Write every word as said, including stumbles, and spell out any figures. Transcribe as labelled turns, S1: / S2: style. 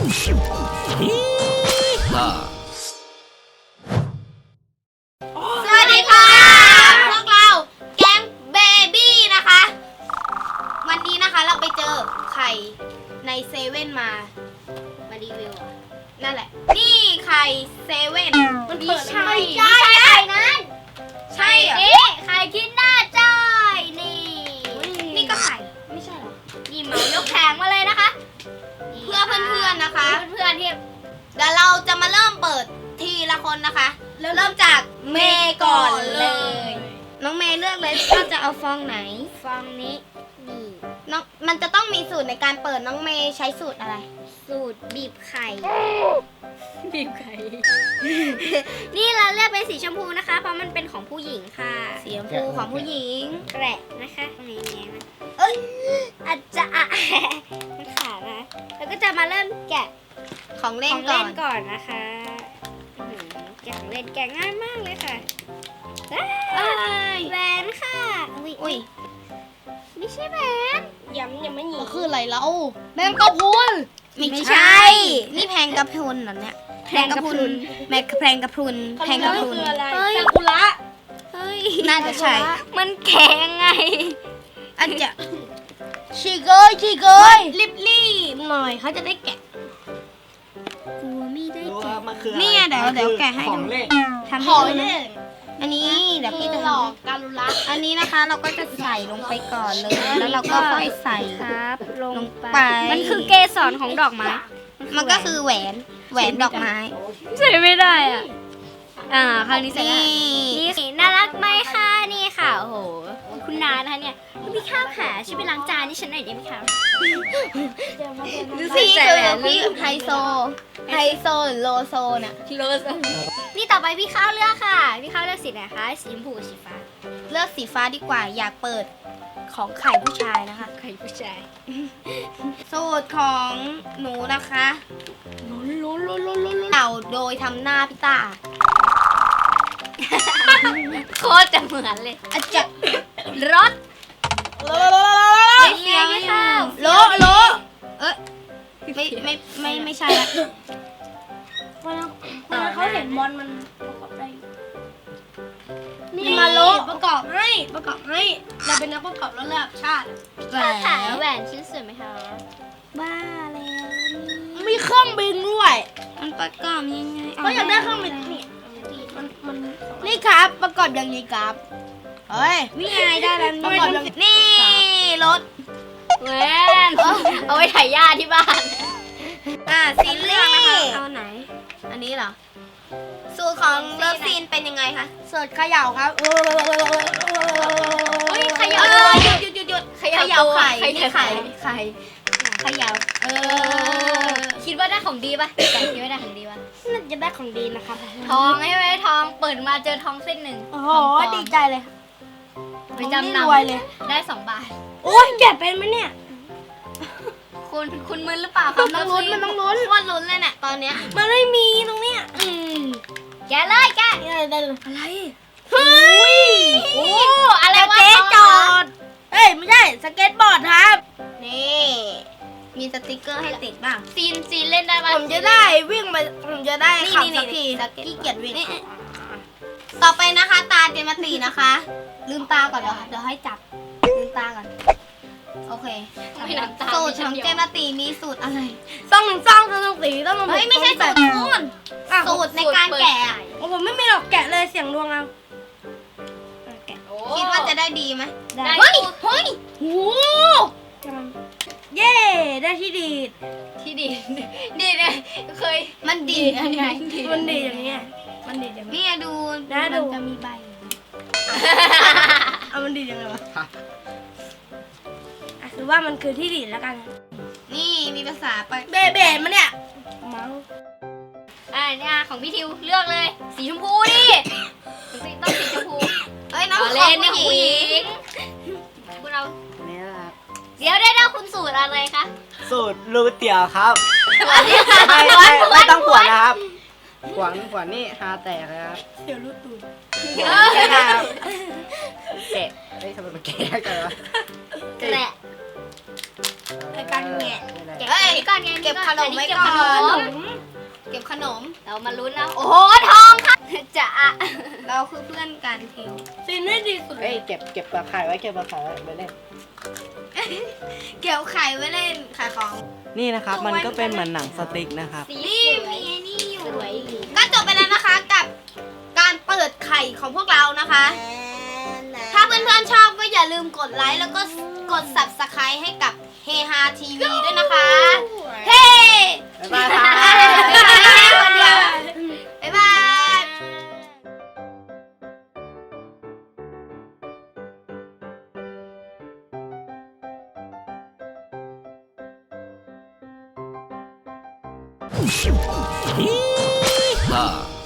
S1: สวัสดีค่ะพวกเราแก๊งเบบี้นะคะวันนี้นะคะเราไปเจอไข่ในเซเว่นมามารีวิวอ่ะนั่นแหละนี่ไข่เซเว่นมันเปิดใช่ไม่ใช่ไข่นั้นใช่เหรอนี่ไข่กินหน้าจ้อยนี่นี่ก็ไข่ไม่ใช่หรอนี่เหมายกแผงมาเลยนะคะเพื่อเพื่อนๆนะคะเพื่อนๆที่เดี๋ยวเราจะมาเริ่มเปิดทีละคนนะคะเริ่มจากเมย์ก่อนเลยน้องเมย์เลือกเลยว่าจะเอาฟองไหนฟองนี้นี่น้องมันจะต้องมีสูตรในการเปิดน้องเมย์ใช้สูตรอะไรสูตรบีบไข่บีบไข่ นี่เราเลือกเป็นสีชมพูนะคะเพราะมันเป็นของผู้หญิงค่ะสีชมพูของผู้หญิงแกะนะคะนี่นะเอ้ยอาจจะอ่ะมันขาดนะแล้วก็จะมาเริ่มแกะของเล่นก่อนก่อนนะคะแกะของเล่นแกะง่ายมากเลยค่ะแหวนค่ะอุ้ยไม่ใช่แหวนย้ำยังไม่หนีคืออะไรเราแมงกะพรุนไม่ใช่นี่แพงกะพรุนเหรอเนี่ยแพงกะพรุนแมงแพงกะพรุนแพงกะพรุนเฮ้ยซากุระเฮ้ยน่าจะใช่มันแข็งไงอาจจะชีเกยชีเกยรีบรีบหน่อยเขาจะได้แกะกลัวไม่ได้แกะนี่เดี๋ยวเดี๋ยวแกะให้ดูทำให้ดูอันนี้เดี๋ยวพี่จะหลอกการุระอันนี้นะคะเราก็จะใส่ลงไปก่อนเลยแล้วเราก็ค่อยใส่ครับลงไปมันคือเกสรของดอกไม้มันก็คือแหวนแหวนดอกไม้ใส่ไม่ได้อ่ะอ่าคราวนี้ใส่ได้นี่น่ารักไหมคะนี่ค่ะโอ้โหคุณนานะคะเนี่ยพี่ข้าวขาช่วยไปล้างจานที่ฉันหน่อยได้ไหมคะดูสิคือพี่ไฮโซไฮโซหรือโลโซเนี่ยโลโซนี่ต่อไปพี่ข้าวเลือกค่ะพี่ข้าวเลือกสีไหนคะสีชมพูสีฟ้าเลือกสีฟ้าดีกว่าอยากเปิดของไข่ผู้ชายนะคะไข่ผู้ชายสูตรของหนูนะคะลุ้นลุ้นลุ้นลุ้นลุ้นเต่าโดยทำหน้าพี่ตาโคตรจะเหมือนเลยอาจจะรถไม่เลี้ยงไม่ข้าวโลโลเอ้ยไม่ไม่ไม่ไม่ใช่ละวันนั้นเขาเห็นบอลมันประกอบได้นี่มาโลประกอบให้ประกอบให้เราเป็นนักประกอบระดับชาติแหวนแหวนชิ้นสวยไหมคะบ้าแล้วมีเครื่องบินด้วยมันประกอบยังไงเขาอยากได้เครื่องบินนี่มันมันนี่ครับประกอบอย่างนี้ครับเฮ้ยนี่ไงได้แล้วประกอบอย่างนี่รถแหวนเอาไว้ถ่ายหญ้าที่บ้านอ่าซีเลือกนะคะเอาไหนอันนี้เหรอสูตรของเลิฟซีนเป็นยังไงคะสูตรเขย่าครับเฮ้ยเขย่าหยุดหยุดหยุดหยุดเขย่าไข่นี่ไข่ไข่เขย่าเออคิดว่าได้ของดีป่ะแต่คิดว่าได้ของดีป่ะน่าจะได้ของดีนะคะทองใช่ไหมทองเปิดมาเจอทองเส้นหนึ่งโอ้โหดีใจเลยไปจำนำเลยได้สองบาทโอ้ยแกะเป็นไหมเนี่ยคุณคุณมึนหรือเปล่าครับต้องลุ้นมันต้องลุ้นว่าลุ้นเลยเนี่ยตอนเนี้ยมันไม่มีตรงเนี้ยอืมแกะเลยแกะได้เลยอะไรเฮ้ยโอ้อะไรวะสเก็ตจอดเฮ้ยไม่ใช่สเก็ตบอร์ดครับนี่มีสติกเกอร์ให้ติดบ้างซีนซีนเล่นได้ป่ะผมจะได้วิ่งไปผมจะได้ขับสักทีขี้เกียจวิ่งต่อไปนะคะตาเจมาตีนะคะลืมตาก่อนเดี๋ยวเดี๋ยวให้จับลืมตาก่อนโอเคสูตรของเจมาตีมีสูตรอะไรต้องหนึ่งซองต้องหนึ่งสีต้องหนึ่งเฮ้ยไม่ใช่สูตรคุณสูตรในการแกะโอ้ผมไม่มีหรอกแกะเลยเสียงดวงเอาคิดว่าจะได้ดีไหมได้เฮ้ยเฮ้ยโอ้เย่ได้ที่ดีที่ดีดีเลยเคยมันดียังไงมันดีอย่างเงี้ยมันดีอย่างนี้ดูนะดูจะมีใบเอามันดียังไงวะคือว่ามันคือที่ดีแล้วกันนี่มีภาษาไปเบเบมันเนี่ยมังอ่าเนี่ยของพี่ทิวเลือกเลยสีชมพูดิต้องสีชมพูเอ้ยน้องเล่นเนี่ยผู้หญิงคุณเอาเนี่ยครับเดี๋ยวได้ได้คุณสูตรอะไรคะ
S2: สูตรรูเตี๋ยวครับไม่ไม่ไม่ต้องขวนนะครับขวนขวนนี่ฮาแตกเลยครับ
S1: เดี๋ยวรูตูด
S2: แกะเฮ้ยทำไมมันแกะกันวะ
S1: แกะไอ้การแงะแกะ
S3: เฮ้ย
S1: ก่อนไงเก็บขนมไว้ก่อน เก็บขนม
S3: เรามาลุ้นนะโอ้โหทองค่ะจะอะ
S1: เราคือเพื่อนกันเทล
S3: ซีนไม่ดีสุดเล
S2: เอ้ย
S3: ย
S2: เก็บเก็บปลาไข่ไว้เก็บปลาไข่ไว้ไปเล่น
S1: เกี่ยวไข่ไว้เล่นขายของ
S2: นี่นะครับมันก็เป็นเหมือนหนังสติ๊กนะครับ
S3: สี
S1: นี่
S3: สวย
S1: มีไอ้นี่อยู่
S3: สวย
S1: ก็จบไปแล้วนะคะกับการเปิดไข่ของพวกเรานะคะ ถ้าเพื่อนๆชอบก็อย่าลืมกดไลค์แล้วก็กด ซับสไครบ์ ให้กับเฮฮาทีวีด้วยนะคะ เฮ้
S2: บ๊ายบายครับ
S1: บ๊ายบายคนเดียวบ๊ายบาย
S4: Yeehaw!